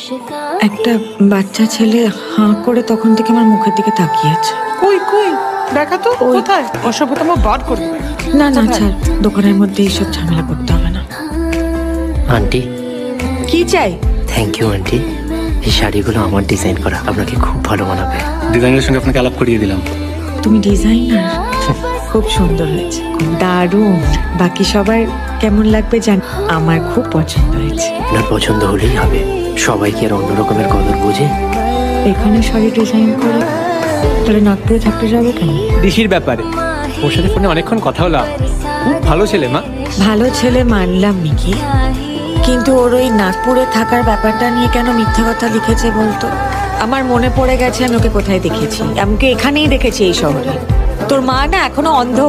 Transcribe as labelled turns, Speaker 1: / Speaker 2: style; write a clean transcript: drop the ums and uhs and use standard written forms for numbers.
Speaker 1: একটা বাচ্চা ছেলে হাঁ করে তখন থেকে আমার মুখের দিকে তাকিয়েছে।
Speaker 2: কই কই দেখা তো কোথায়? অসভ্যতম বার করবে।
Speaker 1: না না ছাড়, দোকানের মধ্যে এইসব ঝামেলা করতে হবে না।
Speaker 3: আন্টি,
Speaker 1: কি চাই?
Speaker 3: Thank you aunty. এই শাড়িগুলো আমার ডিজাইন করা, আপনাকে খুব ভালো মানাবে।
Speaker 4: ডিজাইনের সঙ্গে আপনাকে আলাপ করিয়ে দিলাম।
Speaker 1: তুমি ডিজাইনার? খুব সুন্দর হয়েছে, খুব দারুণ। বাকি সবার কেমন লাগবে জান, আমার খুব পছন্দ হয়েছে।
Speaker 3: আপনার পছন্দ হলেই হবে, সবাই কি আর অন্য রকমের কদর বোঝে?
Speaker 1: এখানে শাড়ি ডিজাইন করে তাহলে নাগপুরে থাকতে যাবে কেন?
Speaker 4: দিশির ব্যাপারে ওর সাথে ফোনে অনেকক্ষণ কথা হলো। খুব ভালো ছেলে মা।
Speaker 1: ভালো ছেলে মানলাম মিকি, কিন্তু ওর ওই নাগপুরে থাকার ব্যাপারটা নিয়ে কেন মিথ্যে কথা লিখেছে বলতো? আমার মনে পড়ে গেছে আমি ওকে কোথায় দেখেছি। আমাকে এখানেই দেখেছি, এই শহরে। তোর মা না এখনো অন্ধ